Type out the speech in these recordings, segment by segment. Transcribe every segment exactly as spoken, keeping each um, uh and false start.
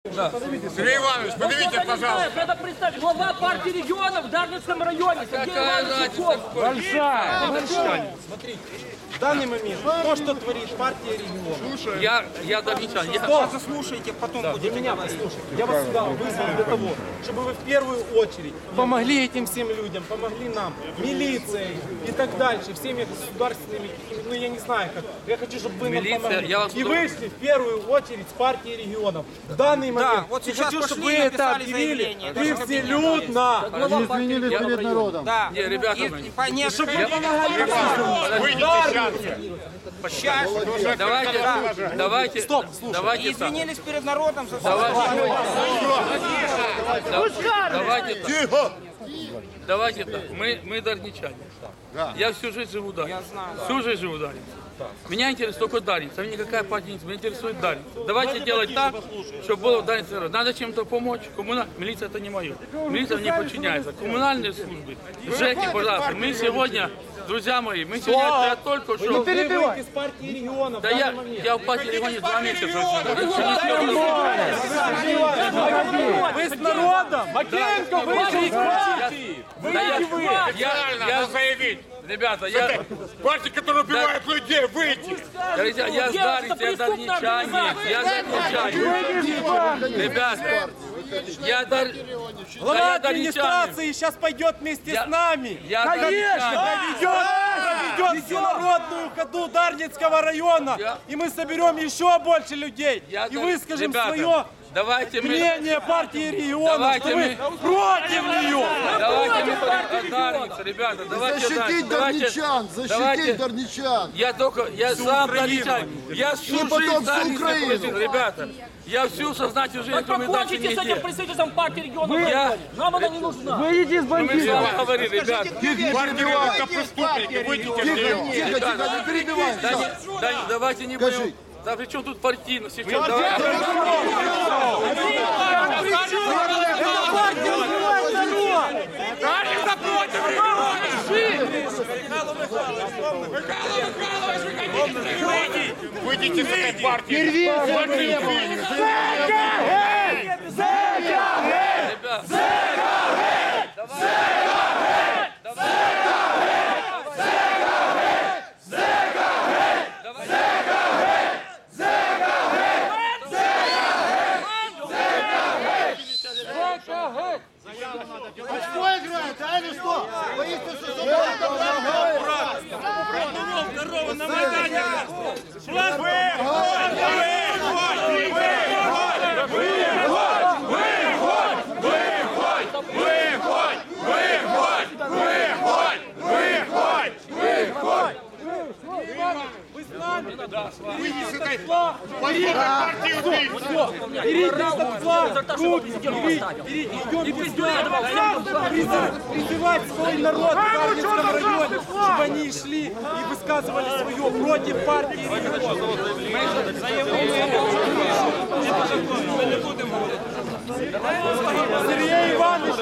Да. Сергей Иванович, подивите, пожалуйста. Это представь, глава партии регионов в Дарницком районе. Какая разница? Большая. Смотрите, в данный момент то, что творит партия регионов. Я, я дарничан. Я... Что? Заслушайте, потом да, будете меня послушать. Я вас сюда вызвал для того, чтобы вы в первую очередь помогли этим всем людям, помогли нам, милицией и так дальше, всеми государственными, ну я не знаю как. Я хочу, чтобы вы нам Милиция, помогли. я вас И буду... вышли в первую очередь с партии регионов. В данный момент. Да, вот сейчас хочу, пошли, чтобы вы это написали объявили заявление. превселюдно. Глава партии Извинились регионов перед народом. Да. Не, ребята, И, мы- и по несколько... Выйдите сейчас. Сейчас. Давайте, Да. давайте, Стоп, слушай. давайте И так. извинились перед народом за Давайте, давайте так. Давайте так. Мы, мы дарничане. Я всю жизнь живу в Дарнице. знаю. Всю жизнь живу в Дарнице. Меня интересует только Дарница. Меня никакая партия не интересует. Меня интересует Дарница. Давайте делать так, чтобы было в Дарнице народ. Надо чем-то помочь. Коммуна... Милиция это не мое. Милиция мне подчиняется. Коммунальные службы. ЖЭКи, пожалуйста. Мы сегодня, друзья мои, мы сегодня я только что... Вы выйдете с партии регионов. Да в я, данный момент. я в партии регионе два месяца живу. Вы с народом! Макеенко, выйдите из партии! Выйдите вы! Я, я заявить, ребята, я, Партия, которая убивает людей, выйти! друзья, я с Дарницы, я дарничанин, я дарничанин. Ребята, я дар... Глава да, я администрации дарничанин. сейчас пойдет вместе Я- с нами. я Конечно, дарничанин. проведет, проведет всенародную ходу Дарницкого района. Я- И мы соберем еще больше людей. Я И дар- выскажем Ребята, свое давайте мы... мнение партии регионов, Давайте что вы мы- против нее. Давайте мы от Дарницы, ребята, давайте Защитить давайте- дарничан, давайте- защитить дарничан. Я только, я сам дарничанин. Я всю И потом жизнь всю Дарницы Украину. прожил, ребята. Я всю сознательную жизнь, Так кроме дачи, покончите с этим нигде. представительством партии регионов. Я- Нам она не нужна. Выйдите из Мы с бандитов. вами говорили, ребята. Партия это преступники, выйдите Тихо, вперед! тихо, тихо, не перебивай. Да, всё. не- да, не- давайте не Скажи. будем. Да при чем тут партийность? Сейчас давайте. Выйдите с этой партии! Партию выйдите. Что играет, а или что? Боитесь, что Выйдите с этой партии убийц! Берите этот флаг, руки, берите, берите, идем сюда. Призывать свой народ в Дарницком районе, чтобы они шли и высказывали свое против партии регионов. Сергей Иванович,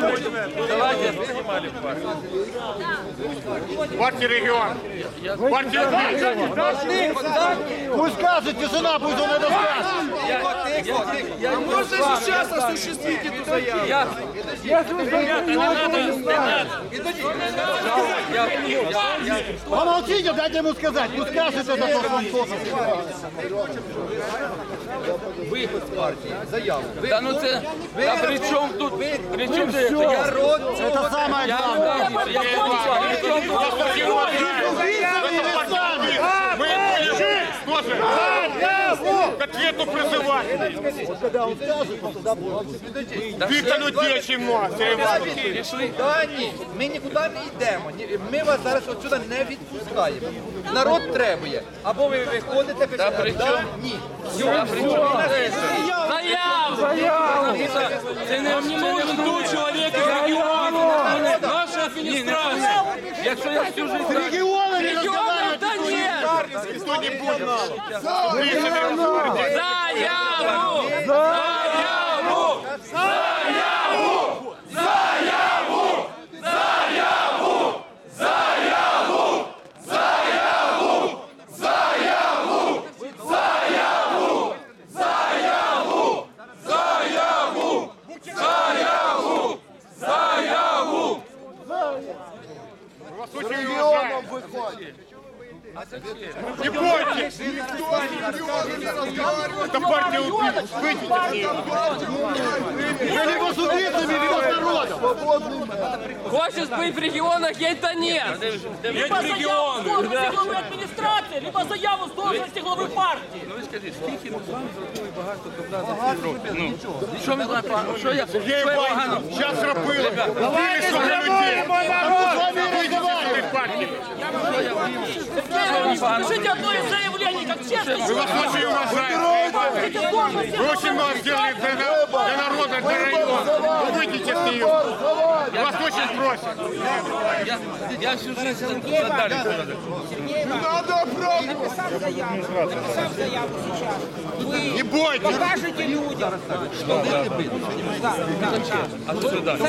Партия регион! Партия убийц! Пусть скажет, тишина, пусть он это скажет. Можно сейчас осуществить эту заяву? Помолчите, дайте ему сказать, пусть скажет это, то, что он должен сказать. Да ну це, да при чому тут, при чому це, я род, Это самое я главное. род, я кончу, при чому тут? Мы тоже к ответу призывать! Когда он скажет, то тогда будет. Ты-то людей очень много, Сергей Иванович! Пішли. Та ні, ми нікуди не йдемо. Ні, Ми вас зараз отсюди не відпускаємо. Народ требує. Або ви виходите, Та при пишете, чому? да, ні. Я при чому? Заяву! Заяву! Це не нужен тут чоловік із регіону. Наша адміністрація. Якщо я всю життя... Регионы не разговаривают. Да ні! Никто не будет! Заяву! Заяву! Заяву! Заяву! Заяву! Заяву! Заяву! Заяву! Заяву! Заяву! Заяву! Не бойтесь! Это партия убийц. Выйдите с нее. Мы либо с убийцами, либо с народом. Хочешь быть в регионах, это нет. Либо заяву с должности главы адміністрації, либо заяву з должности глави партії. Ну ви скажіть, скільки ми з вами зробили багато добра за ці роки? Ну, що ми з вами прийшли? Що я? Сергей Що я Иванович, погано? сейчас рабыли. Убили столько людей. Выйдите с этой партии. Скажите одно из заявлений, как честно. Мы вас очень уважаем. Вы очень много сделали для, на- для народа, для района. Вы выйдите с нее. Вас очень просят. Я, я всю жизнь за, за Дарью ходив. Не бойтесь. А тут Дар'я.